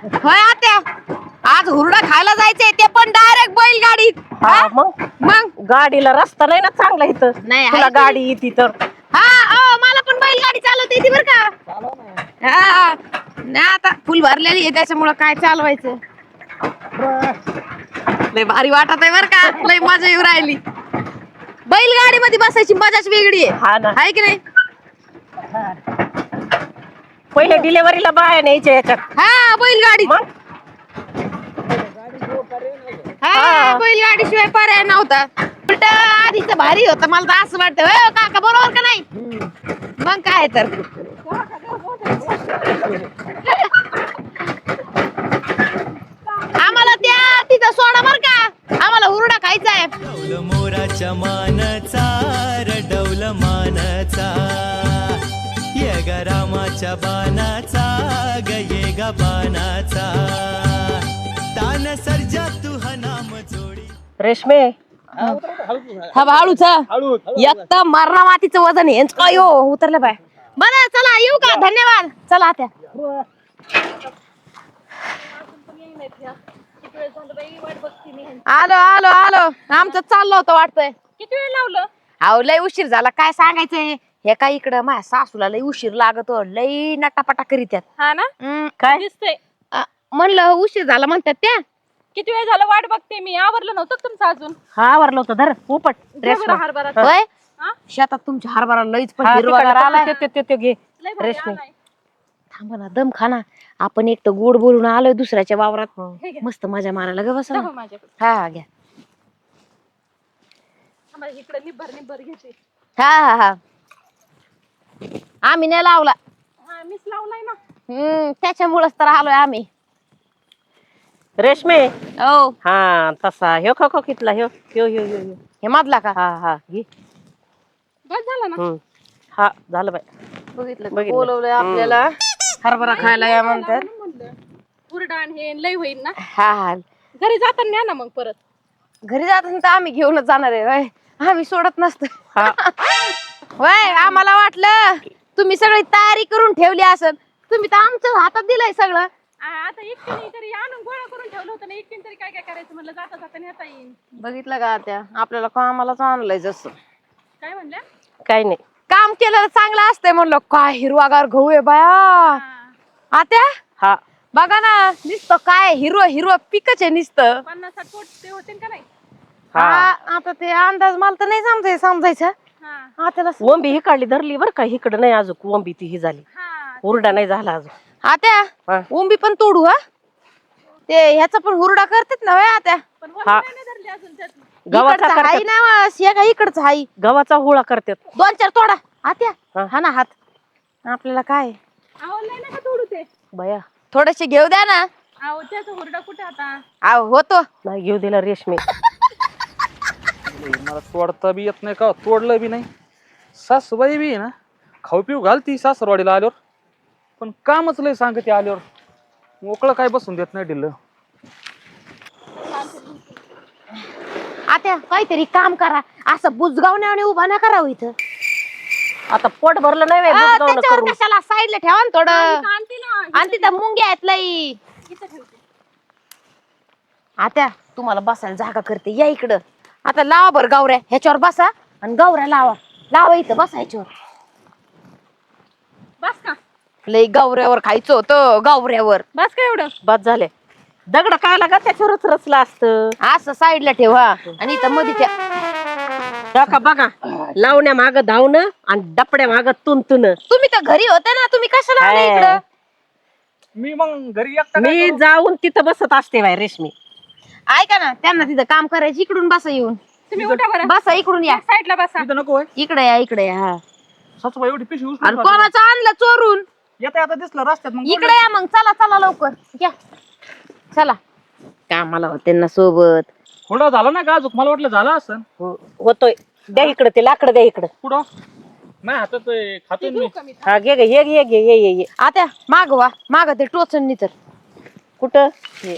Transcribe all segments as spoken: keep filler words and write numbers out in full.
होय आत्या आज हुरडा खायला जायचंय ते पण डायरेक्ट बैलगाडीत. हा मग मग गाडीला रस्ता नाही ना चांगला इथं. नाही, तुला आहे की. गाडी येते तर हा अहो, मला पण बैलगाडी चालवता येते बर का. हा नाही आता फुल भरलेली आहे त्याच्यामुळं काय चालवायचं. लय भारी वाटत आहे बर का. लय मजा येऊ राहिली. बैलगाडी मध्ये बसायची मजाच वेगळी आहे. हा ना. आहे की नाही. पहिले डिलेव्हरीला बाया न्यायच्या याच्यात. हा बैलगाडी मग हा बैलगाडी शिवाय पर्याय नव्हता. उलट आधीच भारी होतं मला तर असं वाटतं. होय हो काका बरोबर का नाही. मग काय तर आम्हाला त्या तिथं सोडा बर का. आम्हाला हुरडा खायचा आहे. डौल मोराच्या मानचा रडौल मानचा ये ग रामाच्या बाणाचा ग ये ग बाणाचा तान सर्जा तू हा नाम जोडी. रेशमे हा भाळूच एकदम मरणा मातीचं वजन आहे. यांचं काय हो उतरलं बाय. बरं चला येऊ का. धन्यवाद. चला आता आलो आलो आलो. आमचं चाललं होतं वाटतंय. किती वेळ लावलं? अहो लय उशीर झाला काय सांगायचंय. हे काय इकडं माझ्या सासूला लय उशीर लागतो. लय नटापटा करीत्यात. हा ना हम्म, काय दिसतंय. अ, म्हणलं उशीर झाला म्हणतात त्या. किती वेळ झालं वाट बघते मी. आवरलं नव्हतं का तुमचं अजून? हा आवरलं होतं. धर उपट घे बरं हरभरा. होय हा? शेतात तुमच्या हरभरा लईच पण हा, हिरवागार तिकडं आलाय. ते- ते- ते- ते घे. लय भारी रेशमी. आलाय. थांबा ना दम खाना. आपण एक तर गोड बोलून आलोय दुसऱ्याच्या वावरात. हे घे. मस्त मजा मारायला ग बस. दाखव माझ्याकडे. हा हा घ्या. आम्हाला इकडे निब्बर निब्बर घेते. हा हा हा आम्ही नाही लावला. हा मीच लावलाय ना. हम्म त्याच्यामुळेच तर आलोय आम्ही. रेशमे हो हा तसा ह्यो खो खो कितला ह्यो ह्यो ह्यो ह्यो ह्यो. हे मधला का. हा हा घे. बस झालं ना. हम्म. हा झालं बाय. बघितलं का? बघितलं. बोलवलंय आपल्याला हरभरा खायला या म्हणतात. म्हणलं हुरडा आणि हे लय होईल ना. हा हा घरी जाताना न्या ना मग परत. घरी जात तर आम्ही घेऊनच जाणार आहे. होय आम्ही सोडत नसतो. हा होय आम्हाला वाटलं तुम्ही सगळी तयारी करून ठेवली असेल. तुम्ही तर आमच्या हातात दिलंय सगळं. आ, आता एकटीने तरी आणून गोळा करून ठेवलं होतं ना. एकटीने तरी काय काय करायचं म्हणलं. जाता जाता नेता येईल. बघितलं का त्या आपल्याला कामालाच आणलंय जसं. काय म्हणल्या? काही नाही. काम केलं चांगलं असतंय म्हणलं. काय हिरवागार गहू आहे बाया. हा. आत्या हा बघा ना नुसतं काय हिरवं हिरवं पिकच आहे नुसतं. पन्नास साठ पोट ते होते का नाही? हा हा, आता ते अंदाज मला तर नाही समजाय समजायचं. हा हा त्याला वंबी ही काढली धरली बर का. इकडं नाही अजून वंबी ती ही झाली. हा हुरडा नाही झाला अजून. आत्या हा. उंबी पण तोडू हा. ते ह्याचा पण हुरडा करतात ना होय आत्या. पण हा. वरती नाही धरली अजून त्यात. गव्हाचा इकडचा हाई करतात. ना हे का इकडचं हाई. गव्हाचा हुळा करतात. दोन चार तोडा आत्या. हा. हा ना हात आपल्याला काय आवडलंय ना का तोडू ते? बया थोडेसे घेऊ द्या ना. अहो त्याचा हुरडा कुठे आता? आव होतो. नाही घेऊ दिला रेशमी. मला तोडता बी येत नाही का तोडलं बी नाही. सासूबाई बी आहे ना खाऊ पिऊ घालती सासरवाडीला आल्यावर. पण कामच लय सांगते आल्यावर. मोकळं काय बसून देत नाही दिलं. आत्या काहीतरी काम करा. असं बुजगावण्याने उभा ना करावं इथं. आता पोट भरलं नाही बाई, आ, बुजगावणं त्याच्यावर करून. कशाला साईडला ठेवा ना थोडं. आणते ना. आणि तिथं मुंग्या आहेत लई. इथं ठेवते. आत्या तुम्हाला बसायला जागा करते या इकडं. आता लावा बरं गावऱ्या ह्याच्यावर बसा आणि गावऱ्या लावा. लावा इथं बसायच्यावर. बस का? लई गावऱ्यावर खायचं होतं गावऱ्यावर. बस का एवढं? बस झाले. दगड काय लागा त्याच्यावरच रचलं असतं. असं साईडला ठेवा आणि इथं मध्ये ठेवा. त्या का बघा लावण्या माग धावणं आणि डपड्या माग तुंतुन. तुम्ही तर घरी होते ना. तुम्ही कशाला आले हाय. इकडं. मी मग घरी एकटा काय मी करू? जाऊन तिथं बसत असते बाई रेशमी. ऐका ना त्यांना तिथं काम करायचं. इकडून बसा येऊन. तुम्ही उठा बरं. बसा इकडून या. साईडला बसा. इथं नको होय. इकडे या इकडे या. हा. सासूबाई एवढी पिशवी आणि उचलून कोणाचं आणलं चोरून. येता येता दिसलं रस्त्यात मग इकडे या मग. चला चला लवकर या. चला कामाला होते ना सोबत. थोडा झाला ना का अजून मला वाटलं झालं असं. हो- होतोय. द्या इकडं ते लाकडं द्या इकडं. पुढं नाही हातात आहे, खातोय मी. कमी. हा घे गे ये ये घे ये ये ये. आता माग वा माग ते टोचन तर. कुठं हे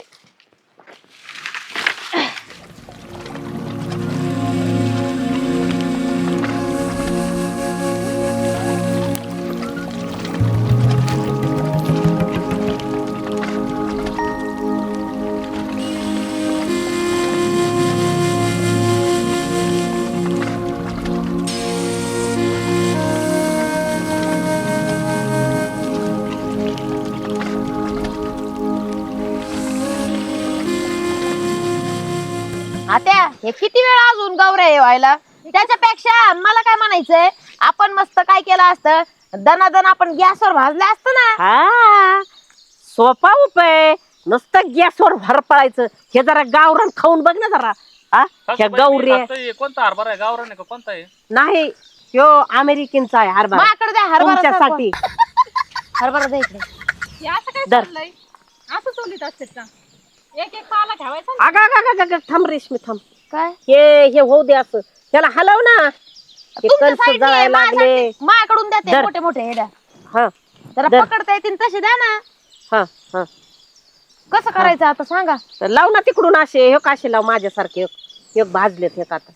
आता हे किती वेळ अजून गौऱ्या हे व्हायला त्याच्यापेक्षा मला काय म्हणायचंय आपण मस्त काय केलं असतं दनादन आपण गॅसवर भाजलं असतं ना. हा सोपा उपाय नुसतं गॅसवर भर पडायचं. हे जरा गावरान खाऊन बघ ना जरा. हा ह्या गौरी कोणता हरभरा आहे गावरान आहे का कोणता आहे? नाही ह्यो अमेरिकनचा आहे हरभरा माझ्याकडे द्या हरभरा तुमच्यासाठी. हरभरा द्या इकडे. हे असं काय दर. चाललंय असं चोलीत असते का एक एक पाला ठेवायचा ना. अगं अगं अगं अगं, थांब रेशमी थांब. काय हे हे होऊ दे असं त्याला हलव ना. हे तुमच्या कणसं साईडने जळायला माझ्या लागले. साईडने माझ्याकडून द्या ते दर. मोठे मोठे हे द्या हा जरा दर. पकडता येतील तसे द्या ना. हा हा कसं करायचं आता सांगा. तर लाव ना तिकडून असे हे काशे लाव माझ्यासारखे एक एक भाजलेत हे आता.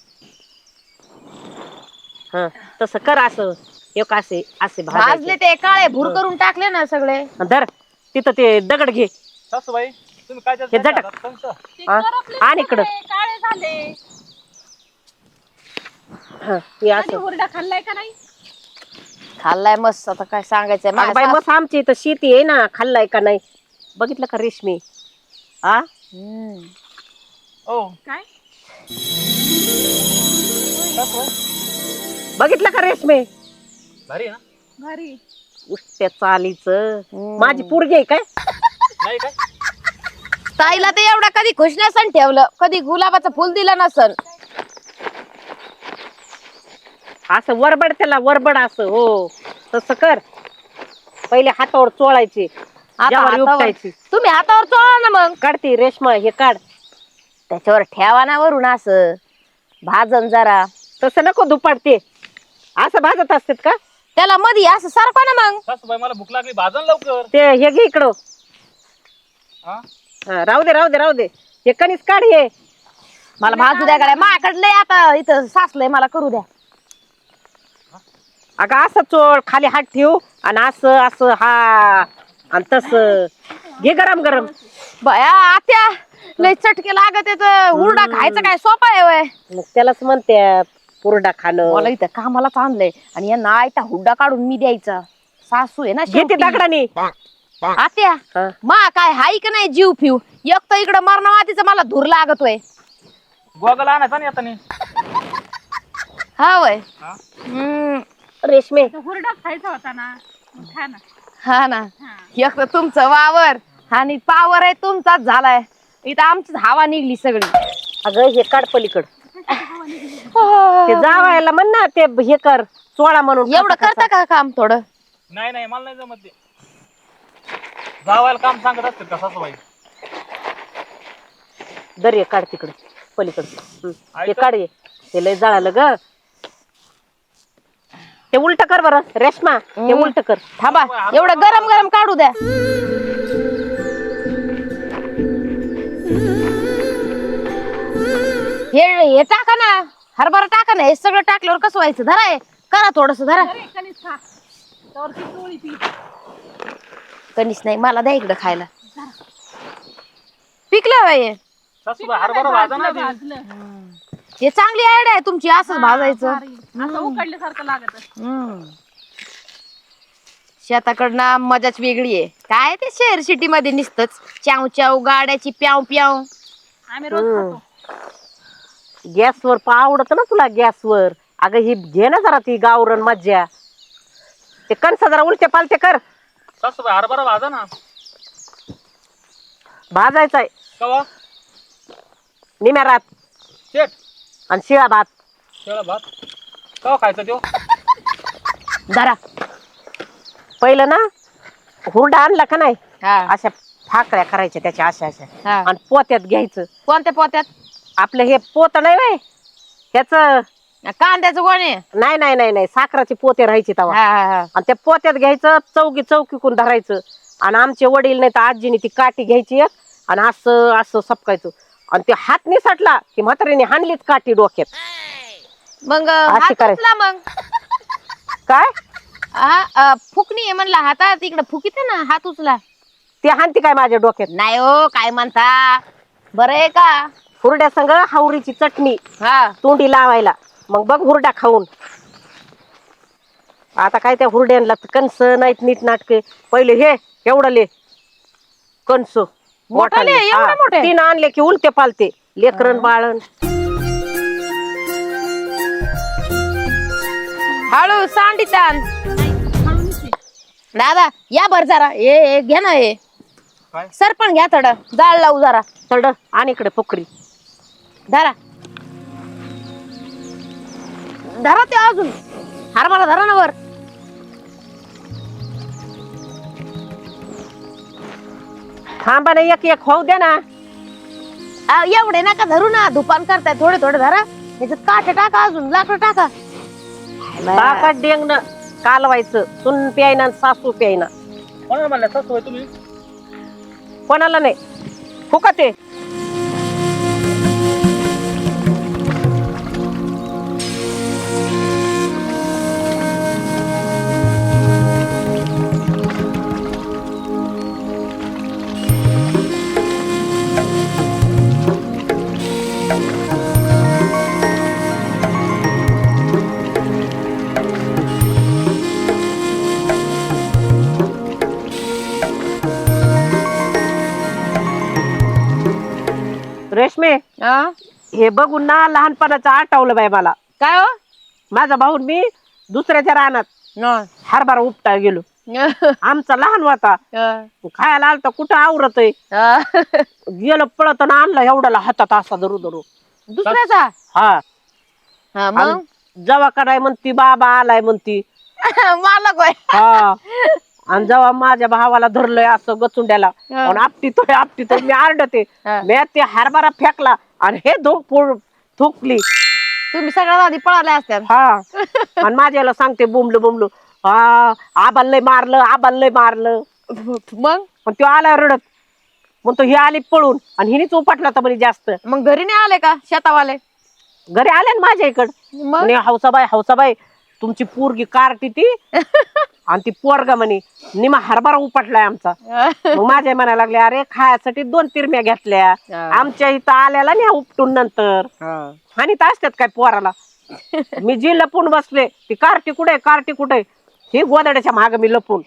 हा तसं कर असं एक असे असे भाजले भाजले ते काळे भूर करून टाकले ना सगळे. धर तिथं ते दगड घे. सासूबाई तुम्ही काय हे झटक. ते हा, करपले आणि इकडं. सगळे, काळे झाले. हा हे आणि असं. हुरडा खाल्लाय का नाही? खाल्लाय मस्त आता काय सांगायचंय अगं माझ्या बाई सास- मग आमची इथं शेती आहे ना खाल्लाय का नाही बघितलं का रेशमी. आ हम्म. ओ काय बघितलं का रेशमी. भारी आहे ना? घरी उष्ट्या चालीच हम्म. माझी पोरगी आहे काय. नाही काय? ताईला ते एवढा कधी खुश नसन ठेवलं कधी गुलाबाचं फुल दिलं नसन. असं वरबड त्याला वरबड असं हो तसं कर. पहिले हातावर चोळायचे आता ज्वारी हातावर- उपटायची. तुम्ही हातावर चोळा ना मग काढते रेशमा हे काढ. त्याच्यावर ठेवा ना वरून असं भाजन जरा. तसं नको दुपाडते असं भाजत असतात का. त्याला मधी असं सारखं ना मग. सासूबाई मला भूक लागली भाजन लवकर. ते हे घे इकडं. हा? हा, राहू दे राहू दे राहू दे हे कणीस काढ हे. मला भाजू द्या गड्या माझ्याकडे आता इथं सासलंय मला करू द्या. अगं असं चोळ खाली हात ठेवू आणि असं असं हा आणि तसं घे गरम गरम. बया आत्या लय चटके लागत येत हुरडा खायचं काय सोपं आहे वय. मग त्यालाच म्हणतात पुरडा खाणं. मला इथं कामालाच आणलंय आणि यांना आयता हुड्डा काढून मी द्यायचा. सासू आहे ना घे ते शेवटी. दगडाने. आत्या हा. मा काय हाय का नाही जीव फिव एक तर इकडं मरणवातीचं मला धूर लागतोय. गोगल आणायचा नाही आता नाही. हा वय हा? हम्म रेशमे तो हुरडा खायचा होता ना मग खा ना. हा ना हा. एक तर तुमचं वावर आणि पावर आहे तुमचाच झालाय. इथं आमचीच हवा निघली सगळी. अगं हे काढ पलीकड. ते जावायला म्हण ना ते हे कर चोळा म्हणून. एवढं करता का काम थोडं. नाही नाही मला नाही जमत ते. जावायला काम सांगत असतील का सासूबाई? दर काढ तिकडे पलीकड. हं, ते ऐका. काढ ये. ते लय जळालं ग. ते उलट कर बरं रेशमा ते हं. उलट कर. थांबा एवढं गरम गरम काढू द्या. हे हे टाका ना हरभरा टाका ना हे सगळं टाकल्यावर कसं व्हायचं धरा हे करा थोडस धरा. अरे कणीस खा तर ती टोळी पी. कणीस नाही मला द्या इकडं खायला. पिकलं बाई हे. सासूबाई हरभरा भाजा ना भाजलं आधी. भाजलं. हे चांगली आयडिया आहे तुमची असंच भाजायचं. भारी. असं उकडल्यासारखं लागत असतं. हम्म. शेताकडनं मजाच वेगळी आहे काय ते शहर सिटी मध्ये निसतच चाव चाव गाड्याची प्याव प्याव. आम्ही रोज हं. खातो. गॅसवर पा आवडत ना तुला गॅसवर. अगं ही घे ना जरा ती गावरण मज्जा. ते कणस जरा उलटे पालटे कर. सासूबाई हरभरा भाजा ना. भाजायचाय कवा? निम्या रात शेट आणि शिळा भात. शेळा भात कवा खायचा त्यो? धरा पहिलं ना हुरडा आणला का नाही हा अशा फाकड्या करायच्या त्याच्या अशा अशा हा. आणि पोत्यात घ्यायचं. कोणत्या पोत्यात. आपलं हे पोत नाही व्हय ह्याच. कांद्याचं कोणी. नाही नाही नाही नाही साखराचे पोते राहायचे हा तेव्हा. हा हा. आणि त्या पोत्यात घ्यायचं चौकी चौकीकून धरायचं. आणि आमचे वडील नाही तर आजीने ती काठी घ्यायची एक आणि असं असं सपकायचं. आणि ते हात निसटला की म्हातारीने हाणलीच काठी डोक्यात. मग अशी हात करायची. उचला मग. काय हा, अ, फुकणी आहे म्हणला हातात इकडे फुकीत ना हात उचला. ते हाणती काय माझ्या डोक्यात. नाही हो काय म्हणता बरं आहे का. हुरड्या संग हावरीची चटणी हा तोंडी लावायला. मग बघ हुरडा खाऊन. आता काय त्या हुरड्यांना कणस नाहीत नीट नाटके. पहिले हे एवढले कणस मोठाले, एवढे मोठे? तीन आणले की उलटे पालते लेकरन बाळन. हळू सांडी ताण दादा या बर जरा ए ए, घे ना हे काय? सरपण घ्या थोडं जाळ लावू जरा चढ आणि इकडे पोखरी धरा धरा ते अजून हरभरा धरा ना वर थांबा ना एक एक होऊ द्या ना आ, एवढे नका धरू ना धुपान करताय थोडे थोडे धरा त्याच्यात काटे टाका अजून लाकडं टाका बाका डेंगण कालवायचं सुन प्यायना आणि सासू प्यायना कोणाला म्हणलं सासूबाई तुम्ही कोणाला नाही फुकट आहे रेशमे आ? हे बघून ना लहानपणाचं आठवलं बाई मला काय हो माझा भाऊ मी दुसऱ्याच्या रानात न. हरभरा उपटा गेलो आमचा लहान होता आ, खायला आलता कुठं आवरत आ. गेलो पळत आणि आणलं एवढ्याला हातात असा धरू धरू दुसऱ्याचा हा हा मग आणि जेव्हा कराय म्हणती बाबा आलाय म्हणती मला काय हा आणि जेव्हा माझ्या भावाला धरलंय असं गचुंड्याला हा. आणि आपटीतोय आपटीतोय मी आरडते हा. मी ते हरभरा फेकला आणि हे धोक फोड थुकली तुम्ही सगळ्यात आधी पळाल्या असत्या हा आणि माझ्याला सांगते बुमलू बुमलू हा आबाल लय मारलं आबाल लय मारलं मग पण तो आला रडत मग तो ही आली पळून आणि हिनेच उपटला तर म्हणे जास्त मग घरी नाही आले का शेतावाले घरी आले ना माझ्या इकड मग म्हणे हौसाबाई हौसाबाई तुमची पोरगी कारटी ती आणि ती पोरगा म्हणे निमा हरभरा उपटलाय आमचा मग माझ्या म्हणायला लागले अरे खायासाठी दोन तिरम्या घेतल्या आमच्या इथं आल्याला नाही उपटून नंतर आणि तर असतात काय पोराला मी जी लपून बसले ती कार्टी कुठे कार्टी कुठे ही गोदड्याच्या माग मी लपून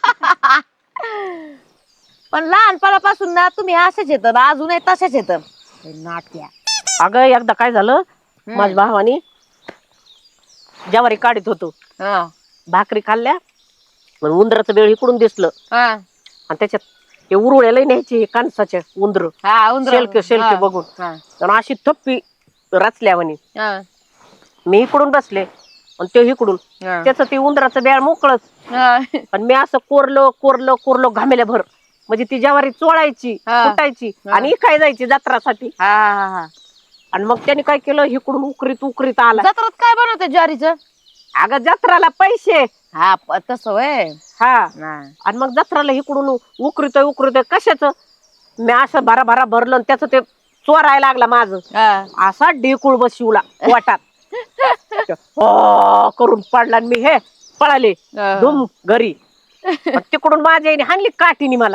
पण लहानपणापासून ना तुम्ही असेच येत ना अजूनही तसेच येत नाट्या अगं एकदा काय झालं माझ्या भावानी ज्वारी काढीत होतो हा भाकरी खाल्ल्या मग उंदराचं बेळ इकडून दिसलं हा आणि त्याच्यात हे उरुळ्याला न्यायचे कांसाचे उंदर हा उंदरं. शेलके शेलके हा. बघून हा. आणि अशी थप्पी रचल्या म्हणे हा. मी इकडून बसले आणि ते इकडून हा. त्याचं ते उंदराचं बेळ मोकळच हा. आणि मी असं कोरलो कोरलो कोरलो घामेल्या भर म्हणजे ती ज्वारी चोळायची हा. कुटायची हा. आणि इकाय जायची जत्रासाठी हा, हा, हा. आणि मग त्याने काय केलं इकडून उकरीत उकरीत आला जत्रात काय बनवते ज्वारीचं अगं जत्राला पैसे हा प- तसं वय हा आणि मग जत्राला इकडून उकरीत उकरीत कशाच मी असं भरा भरा भरलं आणि त्याचं ते चोरायला लागला माझं असा ढेकुळ बसवला वाटात हो करून पडला आणि मी हे पळाले धुम घरी आणि तिकडून माझ्या आईने हाणली काठीने मला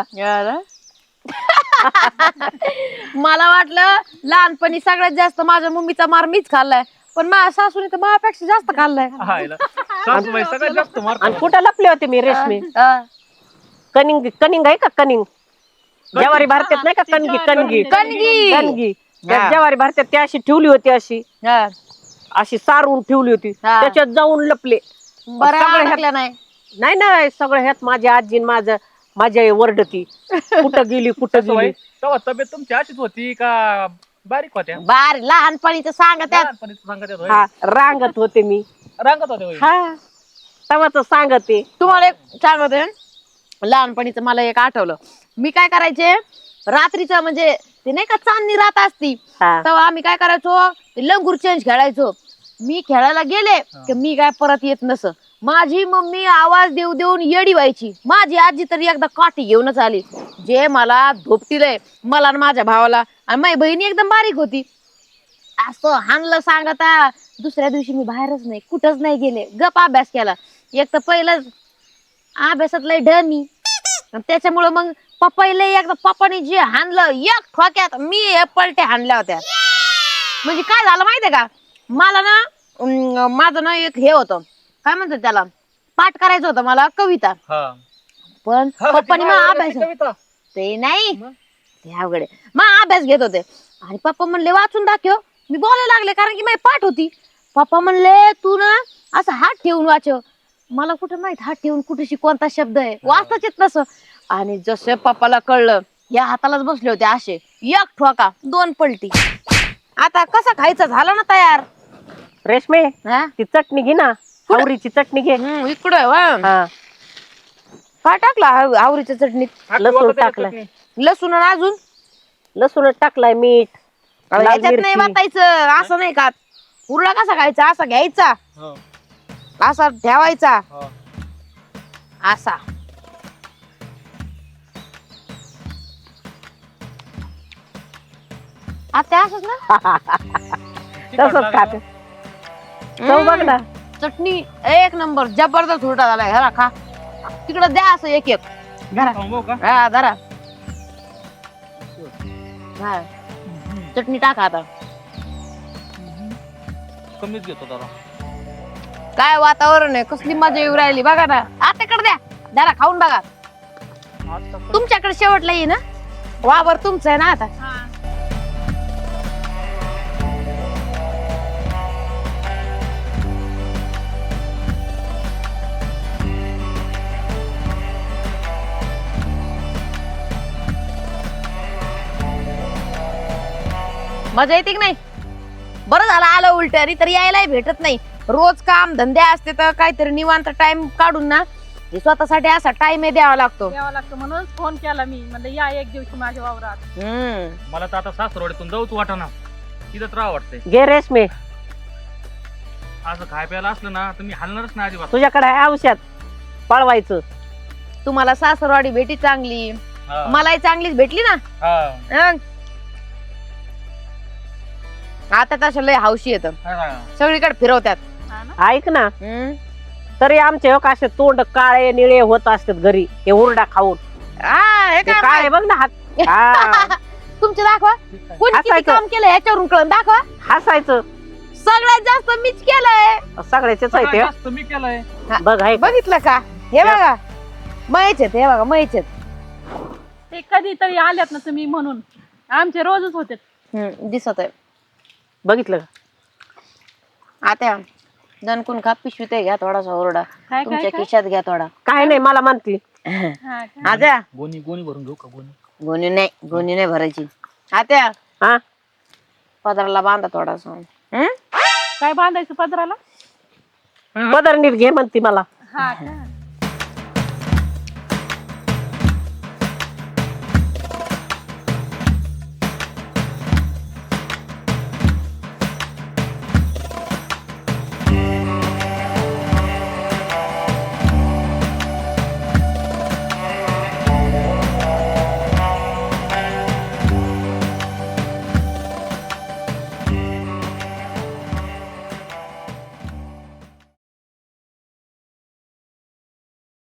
मला वाटलं लहानपणी सगळ्यात जास्त माझ्या मम्मीचा मार मीच खाल्लाय पण माझ्या सासूने तर माझ्यापेक्षा जास्त खाल्लाय सासूबाई सगळ्यात जास्त मार आणि कुठं लपले होते मी रेशमी हा. कनिंग कनिंग आहे का कनिंग ज्वारी भारतात नाही का कणगी कणगी कणगी. कणगी त्या हा. ज्वारी भारतात ती अशी ठेवली होती अशी हा. अशी सारून ठेवली होती हा. त्याच्यात जाऊन लपले बरं सगळं ह्यात- अडकलं नाही नाही नाही सगळं ह्यात माझी आजी माझं माझी आई वरडती कुठं गेली कुठं सासूबाई गेली तेव्हा तब्येत तुमची अशीच होती का बारीक होत्या बार लहानपणीच सांगत आहेत. लहानपणीच सांगत येत होय. हा रांगत होते मी रांगत होते होय. हा तवाच सांगते तुम्हाला एक सांगते लहानपणीच मला एक आठवलं मी काय करायचे रात्रीचं म्हणजे ते नाही का चांदणी रात असती हा. तेव्हा आम्ही काय करायचो ते लंगूर चेंज खेळायचो मी खेळायला गेले की मी काय परत येत नस माझी मम्मी आवाज देऊ देऊन येडी व्हायची माझी आजी तरी एकदा काठी घेऊनच आली जे मला धोपटीलंय मला आणि माझ्या भावाला आणि माझी बहिणी एकदम बारीक होती असं हाणलं सांगता दुसऱ्या दिवशी मी बाहेरच नाही कुठंच नाही गेले गप अभ्यास केला एक तर पहिलंच अभ्यासात लय डमी त्याच्यामुळं मग पप्पाला एकदा पप्पाने जे हाणलं एक ठोक्यात मी हे पलटे हाणल्या होत्या म्हणजे काय झालं माहितीये का मला ना अं, माझं ना एक हे होतं काय म्हणतात त्याला पाठ करायचं होतं मला कविता हा. पण हा, पप्पानी ती मग बाहेर अभ्यास ती कविता. ते नाही मग? ते अवघड आहे. मग अभ्यास घेत होते आणि पप्पा म्हणले वाचून दाखव मी बोलायला लागले कारण की माझी पाठ होती पप्पा म्हणले तू ना असं हात ठेवून वाचव. मला कुठं माहित हात ठेवून कुठेशी कोणता शब्द आहे, वाचताच येत नसं. आणि जसं पप्पाला कळलं, या हातालाच बसले होते असे, एक ठोका दोन पलटी. आता कसा खायचा झाला ना तयार. रेशमे हा ती चटणी घे ना, आवरीची चटणी घे. हम्म, इकडं आहे वा. हा काय टाकला आव- आवरीच्या चटणीत? लसूण टाकलाय, लसूण आणि अजून लसूण टाकलाय, मीठ, अहो, लाल ह्याच्यात नाही मिरची. वाटायचं, असं नाही का. उरला कसा खायचा, असा घ्यायचा, असा ठेवायचा, असा. आता असंच ना. तसंच खाते. चव बघ ना. चटणी एक नंबर, जबरदस्त उलटा झालाय. घरा खा, तिकडं द्या असं एक एक. धरा हा धरा. हा चटणी टाका आता. कमीच घेतो जरा. काय वातावरण आहे, कसली मजा येऊ राहिली बघा ना. आताकडे द्या, धरा खाऊन बघा. तुमच्याकडे शेवटला ये ना, वावर तुमचं आहे ना आता. हा मजा येते की नाही? बरं झालं आलं उलट, तर यायलाही भेटत नाही. रोज काम धंदे असते तर काहीतरी निवांत टाइम काढून ना हे स्वतःसाठी असा टाइम द्यावा लागतो. द्यावा लागतं म्हणून फोन केला मी, म्हणलं या एक दिवशी माझ्या वावरात. हम्म मला तर आता सासरवाडीतून जाऊच वाटाना, तिथंच राहा वाटतंय. घे रेशमे, असं खाय प्यायला असलं ना तर मी हलणारच नाही अजिबात. तुझ्याकडे आहे औषध पळवायचं. तुम्हाला सासरवाडी भेटी चांगली, हा. मलाही चांगलीच भेटली ना. हा. हं. आता तसं लय हौशी येत, हा. सगळीकडे फिरवत्यात. हा ना. ऐक ना, हम्म. तरी आमचे हो असे तोंड काळे निळे होत असतात घरी, हे हुरडा खाऊन. आ, हे ते काय काळे बघ ना हात. हा. तुमचे दाखवा, कोणी किती हसायचं. काम केलं याच्यावरून कळून दाखवा. हसायचं. सगळ्यात जास्त मीच केलंय. सगळ्याचेच आहे ते. जास्त मी केलंय. बघ आहे का? बघितलं का? हे बघा मयच आहेत, हे बघा मयच आहेत. ते कधीतरी आल्यात ना तुम्ही म्हणून, आमचे रोजच होते. हम्म, दिसत आहे. बघितलं का? आता दणकून खा, पिशवीत घ्या थोडासा ओरडा, काय तुमच्या काय खिशात घ्या थोडा. काय नाही, मला म्हणती हा का? आता गोणी गोणी भरून घेऊ का गोणी? गोणी नाही, गोणी नाही भरायची. आता हा पदराला बांधा थोडासा. हम्म? काय बांधायचं पदराला? पदर नीट घे म्हणती मला. हा का?